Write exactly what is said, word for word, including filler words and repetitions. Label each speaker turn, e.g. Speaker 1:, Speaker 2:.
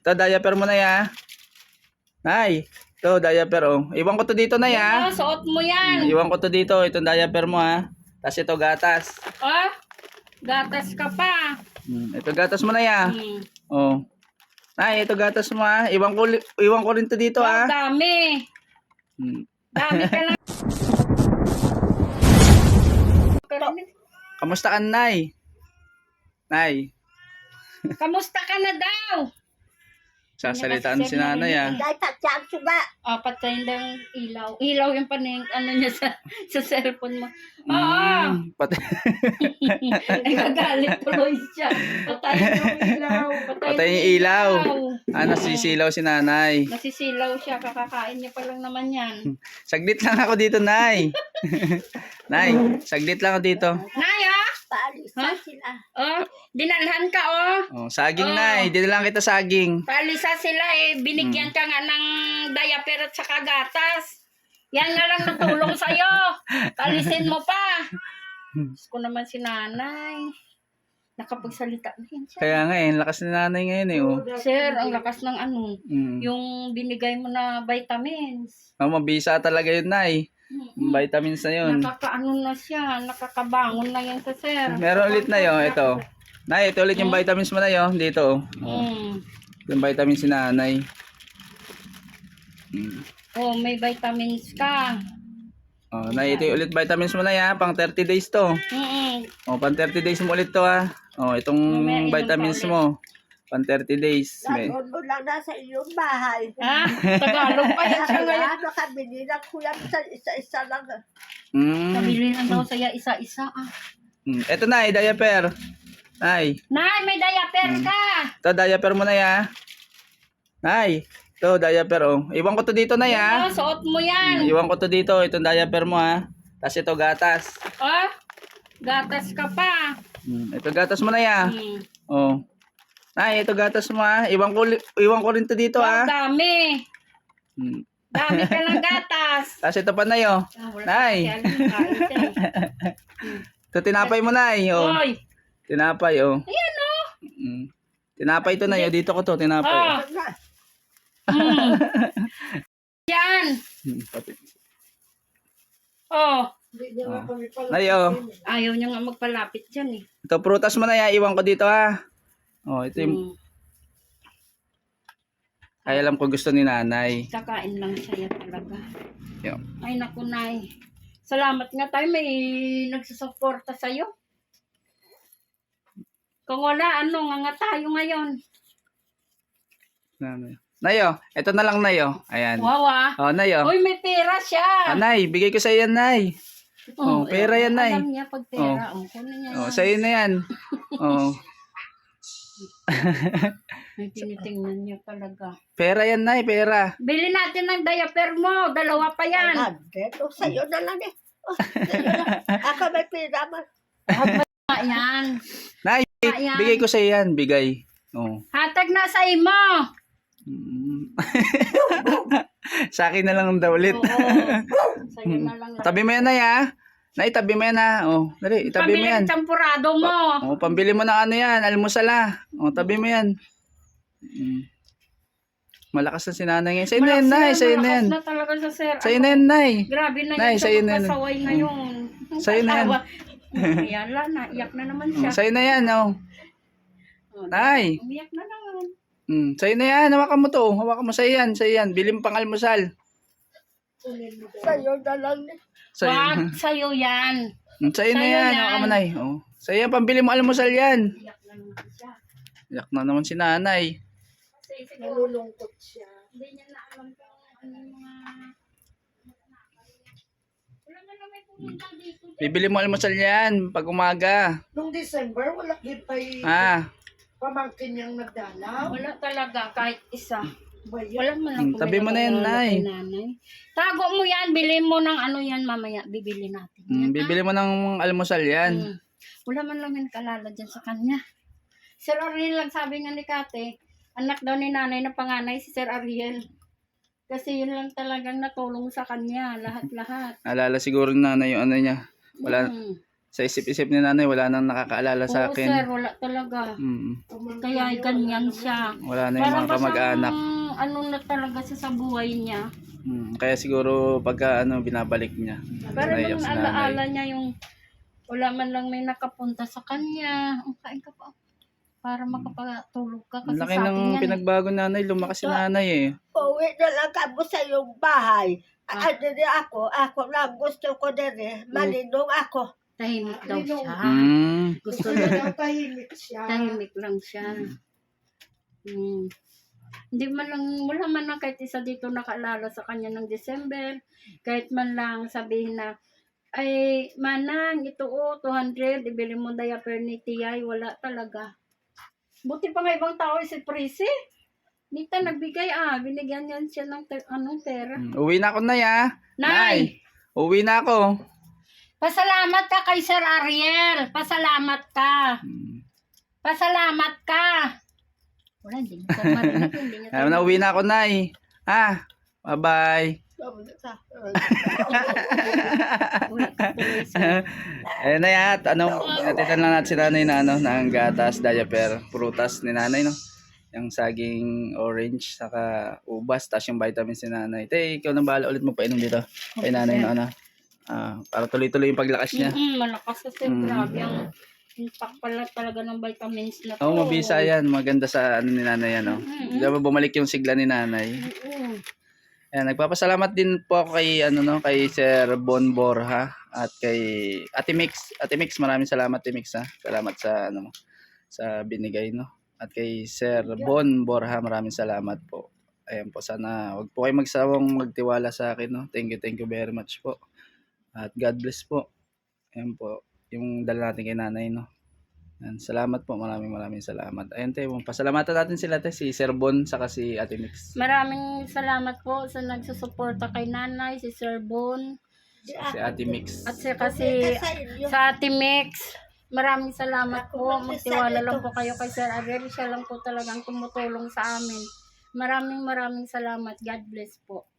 Speaker 1: Ito, diaper mo na ya. Nay, ito, diaper oh. Iwan ko to dito na ya.
Speaker 2: Yan, suot mo yan.
Speaker 1: Iwan ko to dito. Itong diaper mo ha. Tapos ito, gatas.
Speaker 2: Oh, gatas ka pa.
Speaker 1: Hmm, ito, gatas mo na ya.
Speaker 2: Hmm.
Speaker 1: Oh. Nay, ito gatas mo ha. Iwan ko, li- iwan ko rin to dito
Speaker 2: Oh,
Speaker 1: ha.
Speaker 2: dami.
Speaker 1: Hmm.
Speaker 2: Dami ka lang.
Speaker 1: Kamusta ka, Nay? Nay,
Speaker 2: Kamusta ka na daw?
Speaker 1: sasalitaan si nanay ah.
Speaker 3: Dahil tatsang suga.
Speaker 2: Ah, patay lang ilaw. Ilaw yung paning ano niya sa sa cellphone mo. Oo.
Speaker 1: Mm, pati,
Speaker 2: Ay, nagalit tuloy siya. Patay yung ilaw.
Speaker 1: Patay yung ilaw. ah, nasisilaw si nanay.
Speaker 2: Nasisilaw siya. Kakakain niya pa lang naman yan.
Speaker 1: Saglit lang ako dito, Nay. Nay, saglit lang ako dito.
Speaker 2: Naya?
Speaker 3: Paalis
Speaker 2: Ha?
Speaker 3: na sila.
Speaker 2: Oh, dinalhan ka oh.
Speaker 1: Oh, saging,
Speaker 2: Oh.
Speaker 1: Nay. Dito lang kita saging.
Speaker 2: Palisa sila eh. Binigyan ka nga ng diaper at saka gatas. Yan nga lang natulong sa'yo. Palisin mo pa. Diyos ko naman si nanay. Nakapagsalita na yun siya.
Speaker 1: Kaya nga eh, ang lakas ni nanay ngayon eh. Oh.
Speaker 2: Sir, ang lakas ng ano.
Speaker 1: Mm.
Speaker 2: Yung binigay mo na vitamins.
Speaker 1: Oh, mabisa talaga yun, Nay.
Speaker 2: Mm-mm.
Speaker 1: Vitamins na yun.
Speaker 2: Nakakaano na siya. Nakakabangon na yan sa sir.
Speaker 1: Meron ulit na yun, ito. Nay, ito ulit yung vitamins mo na yun. Dito. Oh.
Speaker 2: Mm.
Speaker 1: Yung vitamins si nanay. Mm.
Speaker 2: Oh, may vitamins ka.
Speaker 1: Oh, Nay, ito yung ulit vitamins mo na yan. Pang thirty days to.
Speaker 2: Mm-mm.
Speaker 1: Oh, pang thirty days mo ulit to ha. Oh, itong
Speaker 2: Mamaya, inom
Speaker 1: vitamins
Speaker 2: pa ulit.
Speaker 1: mo. Pang thirty days. May.
Speaker 3: Nandun mo lang nasa iyong bahay.
Speaker 2: Ha? Tagalog pa yan siya ngayon.
Speaker 3: Ano ka, binilang ko yan sa isa-isa lang.
Speaker 1: Mm.
Speaker 2: Nabili lang daw saya isa-isa ah.
Speaker 1: Mm. Ito na, diaper. Nay,
Speaker 2: Nay, may diaper ka.
Speaker 1: ito diaper mo na ya. Nay, ito diaper oh. Iwan ko to dito na ya.
Speaker 2: Oh, suot mo yan.
Speaker 1: Iwan ko to dito, itong diaper mo ha. Tapos ito gatas.
Speaker 2: Oh, gatas ka pa.
Speaker 1: Mm. Ito gatas mo na ya.
Speaker 2: Hmm.
Speaker 1: Oh. Nay, ito gatas mo ha. Iwan ko, li- iwan ko rin to dito
Speaker 2: Oh,
Speaker 1: ha.
Speaker 2: dami.
Speaker 1: Mm.
Speaker 2: Dami ka ng gatas.
Speaker 1: Tapos ito pa na yo.
Speaker 2: Ah, wala
Speaker 1: Nay.
Speaker 2: pa kasi alam, kain siya eh.
Speaker 1: Ito tinapay mo na oh.
Speaker 2: Oy,
Speaker 1: Tinapay oh.
Speaker 2: ayan oh.
Speaker 1: Mm. Tinapay to na yo. Dito ko to, tinapay.
Speaker 2: Ah. Hmm. Yan.
Speaker 1: Mm. Pati-
Speaker 2: Oh,
Speaker 1: Nay oh.
Speaker 2: ayaw niya nga magpalapit dyan eh.
Speaker 1: Ito prutas mo na ya. Iwan ko dito ha. Oh, ito yung
Speaker 2: Hmm.
Speaker 1: ay alam ko gusto ni nanay.
Speaker 2: Kakain lang siya talaga.
Speaker 1: Yo.
Speaker 2: Ay naku, Nay. Salamat nga tayo may nagsusuporta sa'yo. Kung wala, ano, nga nga tayo ngayon.
Speaker 1: Nanay. Nayo, ito na lang nayo. Ayan.
Speaker 2: Wow ah.
Speaker 1: Oh, nayo.
Speaker 2: Uy, may pera siya.
Speaker 1: Ah, nay, bigay ko sa iyo, nay. Oh, pera yan, Nay.
Speaker 2: Alam niya pag pera. Oh, kunin niya.
Speaker 1: Oh, sa iyo na yan. Oh,
Speaker 2: May tinitingnan niya talaga.
Speaker 1: pera yan, nay, pera.
Speaker 2: Bili natin ng diaper mo. Dalawa pa yan.
Speaker 3: Dito, sa'yo na lang eh. Oh, sa'yo na. Ako may pira mo.
Speaker 2: Ah, yan.
Speaker 1: Nay,
Speaker 2: Ayan.
Speaker 1: bigay ko sa iyo yan, bigay. Oh.
Speaker 2: Hatag na sa imo.
Speaker 1: Mm. Sa akin na lang daw ulit.
Speaker 2: Oo. Sa'yo na lang.
Speaker 1: Tabi mo yan, nay, ha? Nay, tabi mo yan, ha? Oh, dali, itabi mo
Speaker 2: Pabili
Speaker 1: yan.
Speaker 2: ng champurado mo.
Speaker 1: Oh, pambili mo ng ano yan, almusal, ha? Oh, tabi mo yan. Mm. Malakas na si nanay ngayon. Sa'yo na yan, nay, sa'yo na yan.
Speaker 2: Malakas na talaga sa sir.
Speaker 1: Sa'yo na yan, nay.
Speaker 2: Grabe na
Speaker 1: Nay,
Speaker 2: yun
Speaker 1: sa'yo
Speaker 2: siya
Speaker 1: na yan.
Speaker 2: magpasaway ngayon.
Speaker 1: Sa'yo na yan.
Speaker 2: Yala na, iyak na naman siya.
Speaker 1: Oh, sa'yo na yan, oh.
Speaker 2: Oh,
Speaker 1: Nay.
Speaker 2: umiyak na naman.
Speaker 1: Mm, sa'yo na yan, hawakan mo to. Hawakan mo sa'yo yan, sa'yo yan. Bili mo pang almusal.
Speaker 3: Sa'yo na lang eh.
Speaker 1: Sa'yo,
Speaker 2: Wag, sa'yo yan.
Speaker 1: Mm, sa'yo na
Speaker 2: sa'yo
Speaker 1: yan,
Speaker 2: yan.
Speaker 1: hawakan mo, nay. Oh. Sa'yo yan, pambili mo almusal yan.
Speaker 2: Iyak na naman siya.
Speaker 1: Yak na naman si nanay.
Speaker 2: Kasi siguro,
Speaker 3: Nalulungkot siya.
Speaker 2: hindi niya na alam kung ano yung mga... Wala na naman pumunta dito.
Speaker 1: Bibili mo almusal yan, pag umaga.
Speaker 3: Nung December, wala kipay
Speaker 1: Ah,
Speaker 3: pamangkin niyang nagdalaw.
Speaker 2: Wala talaga, kahit isa.
Speaker 3: Ba yan?
Speaker 2: Wala man
Speaker 1: Hmm,
Speaker 2: ako
Speaker 1: tabi mo na yan, Nay.
Speaker 2: nanay. Tago mo yan, bili mo ng ano yan mamaya, bibili natin.
Speaker 1: mm, bibili mo ng almusal yan.
Speaker 2: Mm. Wala man lang yung kalala dyan sa kanya. Sir Ariel lang sabi nga ni Kate, anak daw ni nanay na panganay si Sir Ariel. Kasi yun lang talagang natulong sa kanya, lahat-lahat.
Speaker 1: Alala siguro ni nanay yung ano niya. Wala,
Speaker 2: Mm.
Speaker 1: Sa isip-isip ni nanay, wala nang nakakaalala sa
Speaker 2: Oo, sir,
Speaker 1: akin.
Speaker 2: wala talaga.
Speaker 1: Mm.
Speaker 2: Kaya ganyan siya.
Speaker 1: Wala na yung
Speaker 2: Parang
Speaker 1: mga kamag-anak.
Speaker 2: basang ano na talaga siya sa buhay niya.
Speaker 1: Mm. Kaya siguro pagka ano, binabalik niya.
Speaker 2: Parang
Speaker 1: Naiyak
Speaker 2: yung
Speaker 1: si nanay.
Speaker 2: alaala niya yung wala man lang may nakapunta sa kanya. Ang kain ka pa. Para makapatulog ka.
Speaker 1: Ang
Speaker 2: Kasi
Speaker 1: laki
Speaker 2: sa
Speaker 1: ng
Speaker 2: akin yan.
Speaker 1: pinagbago nanay, lumakas si nanay eh.
Speaker 3: Uwi na lang kamo sa iyong bahay.
Speaker 2: Ah.
Speaker 3: Ano din ako, ako lang gusto ko din eh. Malinong ako.
Speaker 2: Tahimik daw siya.
Speaker 1: Mm.
Speaker 2: Gusto niya.
Speaker 3: tahimik siya.
Speaker 2: Tahimik lang siya. Hmm. Hindi man lang, wala man lang kahit isa dito nakaalala sa kanya ng December. Kahit man lang sabihin na, ay, manang, ito o, two hundred, ibili mo diaper ni Tiyay. Wala talaga. Buti pa nga ibang tao si Prissy. Nita nagbigay ah, binigyan niyan siya ng ter- anong pera.
Speaker 1: Mm. Uwi na ako na ya.
Speaker 2: Nay!
Speaker 1: Uwi na ako.
Speaker 2: Pasalamat ka kay Sir Ariel. Pasalamat ka.
Speaker 1: Mm.
Speaker 2: Pasalamat ka. Wala, hindi niya tayo marinig. Hindi niya tayo
Speaker 1: Ayun na, uwi na ako, nay. Ah, bye-bye.
Speaker 2: Wala, tuloy siya.
Speaker 1: Ayun na yan. Ano, natitan lang natin si nanay na ano, ng gatas, diaper, prutas ni nanay, no? Yung saging orange, saka ubas, tas yung vitamins ni nanay. Te, ikaw nang bahala ulit mo painom dito. Kay nanay na ano. Ah, para tuloy-tuloy yung paglakas niya.
Speaker 2: Mm, malakas kasi.
Speaker 1: Mm.
Speaker 2: Grabe ang impact pala talaga ng vitamins na to.
Speaker 1: Oo, oh, mabisa yan. Maganda sa ano ni nanay, ano.
Speaker 2: Mm-mm.
Speaker 1: Di ba bumalik yung sigla ni nanay.
Speaker 2: Mm-mm.
Speaker 1: Ayan, nagpapasalamat din po ako kay ano no, kay Sir Bon Borja at kay Ate Mix. Ate Mix, maraming salamat Ate Mix ha. Salamat sa ano mo, sa binigay no. At kay Sir Bon Borja, maraming salamat po. Ayan po, sana wag po kayo magsawang magtiwala sa akin no. Thank you, thank you very much po. At God bless po. Ayan po, yung dala natin kay nanay no. Ayan, salamat po, maraming maraming salamat. Ayan tayo, pasalamatan natin sila te, si Sir Bon saka si Ate Mix.
Speaker 2: Maraming salamat po sa nagsusuporta kay nanay, si Sir Bon,
Speaker 1: Si Ate Mix.
Speaker 2: at si kasi sa Ate Mix. Maraming salamat po. Magtiwala lang po kayo kay Sir Ariel. Siya lang po talagang tumutulong sa amin. Maraming maraming salamat. God bless po.